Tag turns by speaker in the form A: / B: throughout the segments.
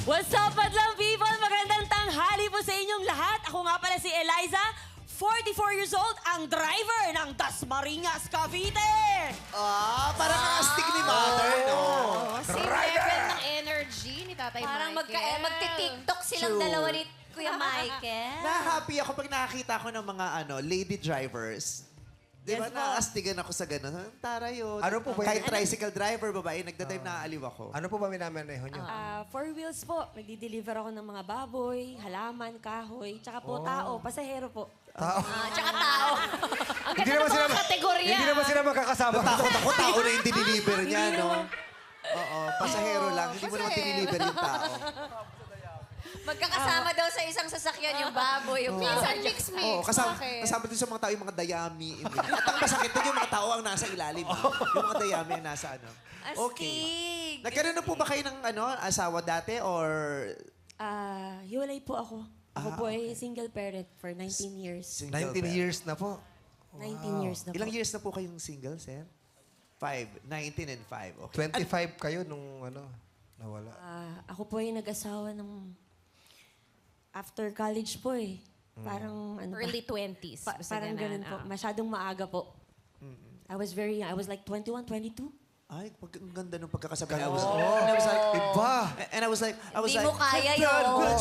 A: What's up, Madlang people? Magandang tanghali po sa inyong lahat. Ako nga pala si Eliza, 44 years old, ang driver ng Dasmariñas, Cavite.
B: Parang astig ni Mother, no?
C: Same level ng energy ni Tatay
D: Parang
C: Michael.
D: magti-TikTok silang
B: True.
D: dalawa ni Kuya Michael.
B: Na-happy ako pag nakakita ko ng mga lady drivers. Di ba,
A: Yes po.
B: naastigan ako sa gano'n. Taray yun.
E: Ano po ba
B: Kahit
E: yun?
B: tricycle driver, babae, nagda-drive naaaliw ako.
E: Ano po ba minamaneho nyo?
A: Four wheels po. Nagdi-deliver ako ng mga baboy, halaman, kahoy, tsaka po tao, pasahero po.
D: Tsaka tao.
C: Ang ganda ng mga kategorya.
E: Hindi naman sila magkakasama.
B: Natakot ako, tao na yung diniliver niya, no? Oo, pasahero lang. Hindi mo naman diniliver yung tao.
D: Magkakasama daw sa isang sasakyan yung baboy, yung
C: Minsan mix.
B: Oo, kasama
C: Bakit?
B: din sa mga tao yung mga dayami. At ang masakit doon yung mga tao ang nasa ilalim. Yung mga dayami ang nasa ano.
D: Astig.
B: Nagkaroon na po ba kayo ng asawa dati or...
A: Hiwalay po ako. Ako po ay single parent for 19 years.
B: single
E: 19
B: parent?
E: years na po.
A: 19 years na po.
B: Ilang years na po kayong single, sir? 5. 19 and 5. Okay.
E: 25 kayo nung nawala.
A: Ako po ay nag-asawa ng after college po eh. Parang ano ba?
C: Early 20s. basta
A: Parang ganun po. Masyadong maaga po. I was very young. I was like 21, 22.
B: Ay, ang ganda nung pagkakasabi. I was
E: Iba!
B: like,
D: Hindi mo kaya yun.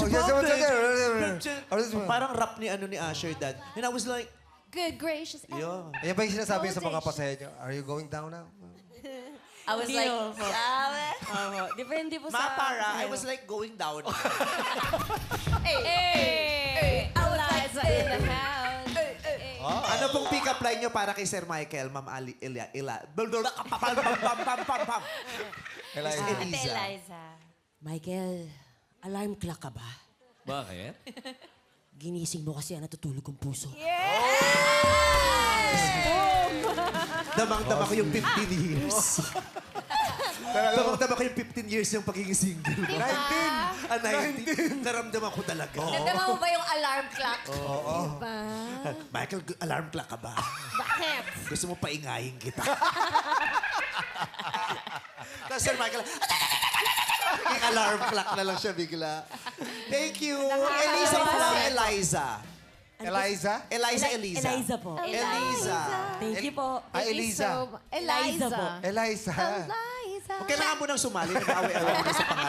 B: Parang rap ni Asher Dad. And I was like,
C: Good gracious.
B: yeah.
E: Ayan ba yung sinasabi sa mga pasahero? Are you going down now?
D: I was
A: Hindi
D: like,
A: po.
D: sabi.
A: Depende po sa...
B: Mapara, I was like going down.
C: Hey! Eliza in the house.
B: Ano pong pick-up line nyo para kay Sir Michael, Ma'am Eliza?
E: Eliza.
D: Ate Eliza.
A: Michael, alarm clock ka ba?
F: Bakit?
A: Ginising mo kasi ang natutulog kong puso.
B: Damang-dama ko yung 15 years. Damang-dama ko yung 15 years yung pagiging single. 19! 19! Naramdaman ko talaga.
D: Nadama mo ba yung alarm clock?
B: Michael, alarm clock ka ba?
C: Bakit?
B: Gusto mo paingayin kita. Tapos Sir Michael, yung alarm clock na lang siya bigla. Thank you. Eliza po lang, Eliza.
E: Eliza?
B: Eliza.
A: Eliza po.
B: Eliza.
A: Thank you po.
E: Eliza.
A: Eliza po.
E: Eliza.
C: Eliza.
B: Kung kailangan mo nang sumali, nag-away-away mo na sa pangalan.